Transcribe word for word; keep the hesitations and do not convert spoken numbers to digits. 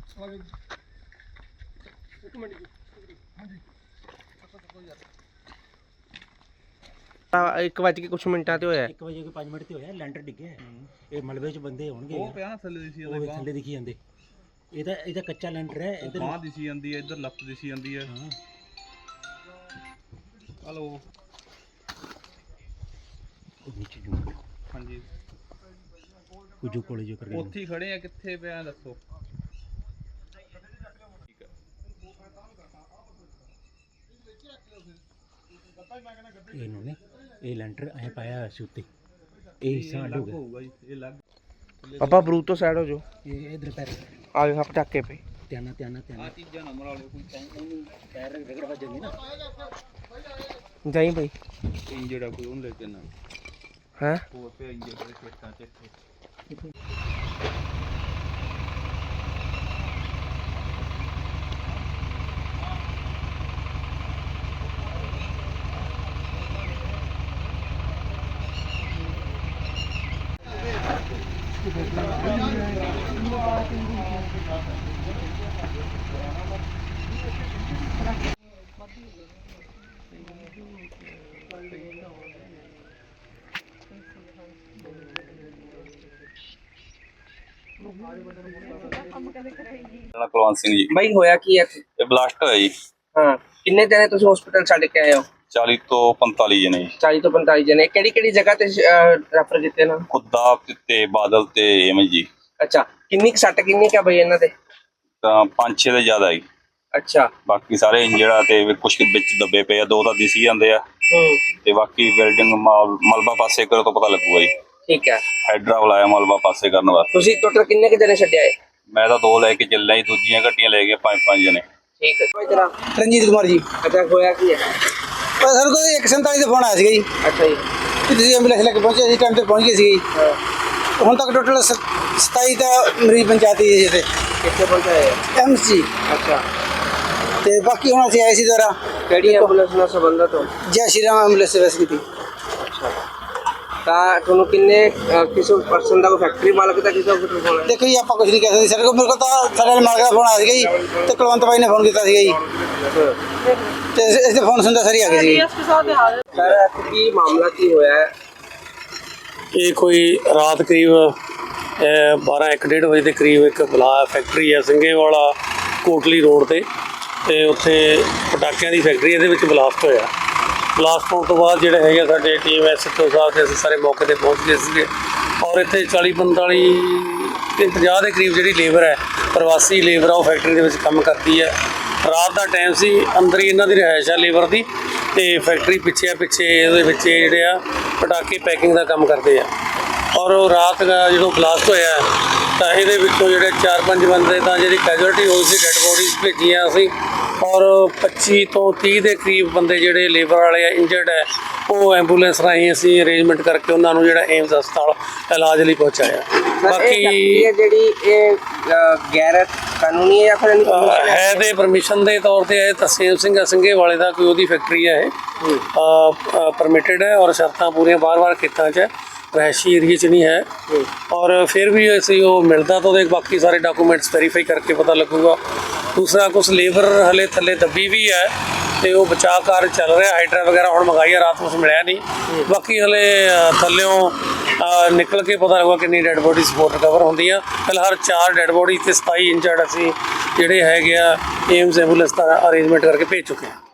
ਇੱਕ ਵੱਜ ਕੇ ਕੁਛ ਮਿੰਟਾਂ ਤੇ ਹੋਇਆ ਇੱਕ ਵਜੇ ਕੋਈ ਪੰਜ ਮਿੰਟ ਤੇ ਹੋਇਆ ਲੈਂਟਰ ਡਿੱਗਿਆ ਇਹ ਮਲਬੇ 'ਚ ਬੰਦੇ ਹੋਣਗੇ ਉਹ ਪਿਆ ਥੱਲੇ ਦਿਸੀ ਉਹ ਥੱਲੇ ਦਿਖੀ ਜਾਂਦੇ ਇਹਦਾ ਇਹਦਾ ਕੱਚਾ ਲੈਂਟਰ ਹੈ ਇੱਧਰ ਬਾਹ ਦਿਸੀ ਜਾਂਦੀ ਹੈ ਇੱਧਰ ਲੱਤ ਦਿਸੀ ਜਾਂਦੀ ਹੈ ਹਾਂ ਹਲੋ ਉਹ ਨੀਚੇ ਜੂ ਹਾਂਜੀ ਕੁਝੂ ਕੋਲੇ ਜੋ ਕਰਕੇ ਉੱਥੇ ਹੀ ਖੜੇ ਆ ਕਿੱਥੇ ਪਿਆ ਦੱਸੋ ਇਹਨੂੰ ਨੇ ਇਹ ਲੈਂਟਰ ਐ ਪਾਇਆ ਹੋਇਆ ਸੀ ਉੱਤੇ ਇਹ ਹਿੱਸਾ ਅੱਡ ਹੋ ਗਿਆ ਹੋਊਗਾ ਜੀ ਇਹ ਲੱਗ ਪਾਪਾ ਬਰੂਦ ਤੋਂ ਸਾਈਡ ਹੋ ਜਾਓ ਇਹ ਇਧਰ ਪੈਰ ਆ ਜਾ ਪਟਾਕੇ ਪਏ ਧਿਆਨਾ ਧਿਆਨਾ ਧਿਆਨਾ ਆ ਚੀਜ਼ਾਂ ਨਾ ਮਰਾ ਲਿਓ ਕੋਈ ਉਹਨੂੰ ਪੈਰ ਰਗੜ ਵੱਜਣਗੇ ਨਾ ਜਾਈ ਬਈ ਇੰਜਰਡ ਆ ਕੋਈ ਉਹਨੂੰ ਲੈ ਕੇ ਨਾ ਹੈ ਹੋਰ ਪਿਆ ਇੰਜਰਡ ਦੇ ਖੇਤਾਂ 'ਚ ਇੱਥੇ ਕੁਲਵੰਤ ਸਿੰਘ ਜੀ ਬਈ ਹੋਇਆ ਕੀ ਹੈ ਇਹ ਬਲਾਸਟ ਹੋਇਆ ਜੀ। ਹਾਂ ਕਿੰਨੇ ਜਣੇ ਤੁਸੀਂ ਹਸਪੀਟਲ ਛੱਡ ਕੇ ਆਏ ਹੋ ਚਾਲੀ ਤੋਂ ਪੰਤਾਲੀ ਜਣੇ ਜੀ। ਚਾਲੀ ਤੋਂ ਪੰਤਾਲੀ ਜਣੇ ਕਿਹੜੀ ਕਿਹੜੀ ਜਗ੍ਹਾ ਤੇ ਰੈਫਰ ਕੀਤੇ ਨਾ ਖੁੱਦਾ ਤੇ ਬਾਦਲ ਤੇ ਐਵੇਂ ਜੀ। ਅੱਛਾ ਕਿੰਨੀ ਕੁ ਸੱਟ ਕਿੰਨੀ ਕੁ ਆ ਬਈ ਇਹਨਾਂ ਦੇ ਤਾਂ ਪੰਜ ਛੇ ਦੇ ਜ਼ਿਆਦਾ ਜੀ। ਅੱਛਾ ਬਾਕੀ ਸਾਰੇ ਇੰਜਰਡ ਆ ਤੇ ਕੁਝ ਵਿੱਚ ਦੱਬੇ ਪਏ ਆ, ਦੋ ਤਾਂ ਦਿਸੀ ਜਾਂਦੇ ਆ ਹੂੰ ਤੇ ਬਾਕੀ ਬਿਲਡਿੰਗ ਮਲਬਾ ਪਾਸੇ ਕਰੋ ਤਾਂ ਪਤਾ ਲੱਗੂਗਾ ਜੀ। ਠੀਕ ਹੈ ਹਾਈਡਰਾ ਬੁਲਾਇਆ ਮਲਬਾ ਪਾਸੇ ਕਰਨ ਵਾਸਤੇ। ਤੁਸੀਂ ਟੋਟਲ ਕਿੰਨੇ ਕੁ ਜਣੇ ਛੱਡਿਆ ਹੈ ਮੈਂ ਤਾਂ ਦੋ ਲੈ ਕੇ ਚੱਲਿਆ ਜੀ, ਦੂਜੀਆਂ ਗੱਡੀਆਂ ਲੈ ਗਏ ਪੰਜ ਪੰਜ ਜਣੇ। ਠੀਕ ਹੈ ਕੋਈ ਤਰ੍ਹਾਂ ਰਣਜੀਤ ਕੁਮਾਰ ਜੀ ਅੱਛਾ ਹੋਇਆ ਕੀ ਹੈ ਪਰ ਸਾਨੂੰ ਕੋਈ ਇੱਕ ਸੌ ਸੰਤਾਲੀ ਦਾ ਫੋਨ ਆਇਆ ਸੀਗਾ ਜੀ ਅੱਛਾ ਜੀ ਕਿ ਤੁਸੀਂ ਐਂਬੂਲੈਂਸ ਲੈ ਕੇ ਪਹੁੰਚੇ ਸੀ ਟਾਈਮ ਤੇ ਪਹੁੰਚ ਗਏ ਸੀ ਹੁਣ ਤੱਕ ਟੋਟਲ ਸਤਾਈ ਦਾ ਮਰੀਜ਼ ਪੰਚਾਇਤੀ ਜੀ ਇੱਥੇ ਕਿੱਥੇ ਪਹੁੰਚਾਏ ਐਮ ਸੀ ਅੱਛਾ ਤੇ ਬਾਕੀ ਹੁਣ ਅਸੀਂ ਆਏ ਸੀ ਦੁਆਰਾ ਕਿਹੜੀ ਐਂਬੂਲੈਂਸ ਨਾਲ ਸੰਬੰਧਤ ਹੋ ਜੈ ਸ਼੍ਰੀ ਰਾਮ ਐਂਬੂਲੈਂਸ ਸਰਵਿਸ ਕੀਤੀ ਤਾਂ ਤੁਹਾਨੂੰ ਕਿੰਨੇ ਕਿਸੇ ਪਰਸਨ ਦਾ ਕੋਈ ਫੈਕਟਰੀ ਮਾਲਕ ਦਾ ਕਿਸੇ ਦਾ ਫੋਨ ਹੈ ਦੇਖੋ ਜੀ ਆਪਾਂ ਕੁਝ ਨਹੀਂ ਕਹਿ ਸਕਦੇ ਸਾਡੇ ਕੋਲ ਮੇਰੇ ਕੋਲ ਤਾਂ ਸਾਡੇ ਮਾਲਕ ਦਾ ਫੋਨ ਆਇਆ ਸੀਗਾ ਜੀ ਤੇ ਕੁਲਵੰਤ ਬਾਈ ਨੇ ਫੋਨ ਕੀਤਾ ਸੀਗਾ ਜੀ ਤੇ ਇਸ ਦੇ ਫੋਨ ਸੁਣਦਾ ਸਾਰੀ ਆ ਗਏ ਸੀ ਸਰ ਕੀ ਮਾਮਲਾ ਕੀ ਹੋਇਆ ਹੈ ਇਹ ਕੋਈ ਰਾਤ ਕਰੀਬ ਬਾਰਾਂ ਇੱਕ ਡੇਢ ਵਜੇ ਦੇ ਕਰੀਬ ਇੱਕ ਬਲਾ ਫੈਕਟਰੀ ਹੈ ਸਿੰਘੇਵਾਲਾ ਕੋਟਲੀ ਰੋਡ ਤੇ ਤੇ ਉੱਥੇ ਪਟਾਕਿਆਂ ਦੀ ਫੈਕਟਰੀ ਇਹਦੇ ਵਿੱਚ ਬਲਾਸਟ ਹੋਇਆ। ਬਲਾਸਟ ਹੋਣ ਤੋਂ ਬਾਅਦ ਜਿਹੜੇ ਹੈਗੇ ਸਾਡੇ ਟੀਮ ਐਸਐਚਓ ਸਾਹਿਬ ਤੇ ਅਸੀਂ ਸਾਰੇ ਮੌਕੇ ਤੇ ਪਹੁੰਚ ਗਏ ਸੀਗੇ ਔਰ ਇੱਥੇ ਚਾਲੀ ਪੰਤਾਲੀ ਤੇ ਪੰਜਾਹ ਦੇ ਕਰੀਬ ਜਿਹੜੀ ਲੇਬਰ ਹੈ ਪ੍ਰਵਾਸੀ ਲੇਬਰ ਆ ਉਹ ਫੈਕਟਰੀ ਦੇ ਵਿੱਚ ਕੰਮ ਕਰਦੀ ਹੈ। ਰਾਤ ਦਾ ਟਾਈਮ ਸੀ, ਅੰਦਰ ਹੀ ਇਹਨਾਂ ਦੀ ਰਿਹਾਇਸ਼ ਆ ਲੇਬਰ ਦੀ ਤੇ ਫੈਕਟਰੀ ਪਿੱਛੇ ਆ ਪਿੱਛੇ ਇਹਦੇ ਵਿੱਚ ਜਿਹੜੇ ਆ ਪਟਾਕੇ ਪੈਕਿੰਗ ਦਾ ਕੰਮ ਕਰਦੇ ਆ ਔਰ ਉਹ ਰਾਤ ਜਦੋਂ ਬਲਾਸਟ ਹੋਇਆ ਤਾਂ ਇਹਦੇ ਵਿੱਚੋਂ ਜਿਹੜੇ ਚਾਰ ਪੰਜ ਬੰਦੇ ਤਾਂ ਜਿਹੜੀ ਕੈਜੁਅਲਟੀ ਹੋਈ ਸੀ ਡੈੱਡ ਬੋਡੀਜ਼ ਭੇਜੀਆਂ ਅਸੀਂ ਔਰ ਪੱਚੀ ਤੋਂ ਤੀਹ ਦੇ ਕਰੀਬ ਬੰਦੇ ਜਿਹੜੇ ਲੇਬਰ ਵਾਲੇ ਆ ਇੰਜਰਡ ਹੈ ਉਹ ਐਂਬੂਲੈਂਸ ਰਾਹੀਂ ਅਸੀਂ ਅਰੇਂਜਮੈਂਟ ਕਰਕੇ ਉਹਨਾਂ ਨੂੰ ਜਿਹੜਾ ਏਮਸ ਹਸਪਤਾਲ ਇਲਾਜ ਲਈ ਪਹੁੰਚਾਇਆ। ਬਾਕੀ ਜਿਹੜੀ ਇਹ ਗੈਰ ਕਾਨੂੰਨੀ ਹੈ ਜਾਂ ਫਿਰ ਹੈ ਤੇ ਪਰਮਿਸ਼ਨ ਦੇ ਤੌਰ ਤੇ ਇਹ ਤਰਸੇਮ ਸਿੰਘ ਸਿੰਘੇ ਵਾਲੇ ਦਾ ਕੋਈ ਉਹਦੀ ਫੈਕਟਰੀ ਹੈ ਇਹ ਪਰਮਿਟਡ ਹੈ ਔਰ ਸ਼ਰਤਾਂ ਪੂਰੀਆਂ ਬਾਰ-ਬਾਰ ਖੇਤਾਂ 'ਚ ਰਹਿਸ਼ੀ ਏਰੀਏ 'ਚ ਨਹੀਂ ਹੈ ਔਰ ਫਿਰ ਵੀ ਅਸੀਂ ਉਹ ਮਿਲਦਾ ਤਾਂ ਉਹਦੇ ਬਾਕੀ ਸਾਰੇ ਡਾਕੂਮੈਂਟਸ ਵੈਰੀਫਾਈ ਕਰਕੇ ਪਤਾ ਲੱਗੂਗਾ। ਦੂਸਰਾ ਕੁਛ ਲੇਬਰ ਹਲੇ ਥੱਲੇ ਦੱਬੀ ਵੀ ਹੈ ਤੇ ਉਹ ਬਚਾਅ ਕਾਰਜ ਚੱਲ ਰਿਹਾ, ਹਾਈਡਰਾ ਵਗੈਰਾ ਹੁਣ ਮੰਗਾਈ ਹੈ, ਰਾਤ ਕੁਛ ਮਿਲਿਆ ਨਹੀਂ। ਬਾਕੀ ਹਲੇ ਥੱਲਿਓਂ ਨਿਕਲ ਕੇ ਪਤਾ ਲੱਗੂਗਾ ਕਿੰਨੀ ਡੈੱਡ ਬੋਡੀ ਸਪੋਰਟ ਰਿਕਵਰ ਹੁੰਦੀਆਂ। ਫਿਲਹਾਲ ਚਾਰ ਡੈੱਡ ਬੋਡੀ ਤੇ ਸਤਾਈ ਇੰਜਰਡ ਅਸੀਂ ਜਿਹੜੇ ਹੈਗੇ ਆ ਏਮਸ ਐਂਬੂਲੈਂਸ ਦਾ ਅਰੇਂਜਮੈਂਟ ਕਰਕੇ ਭੇਜ ਚੁੱਕੇ ਹਾਂ।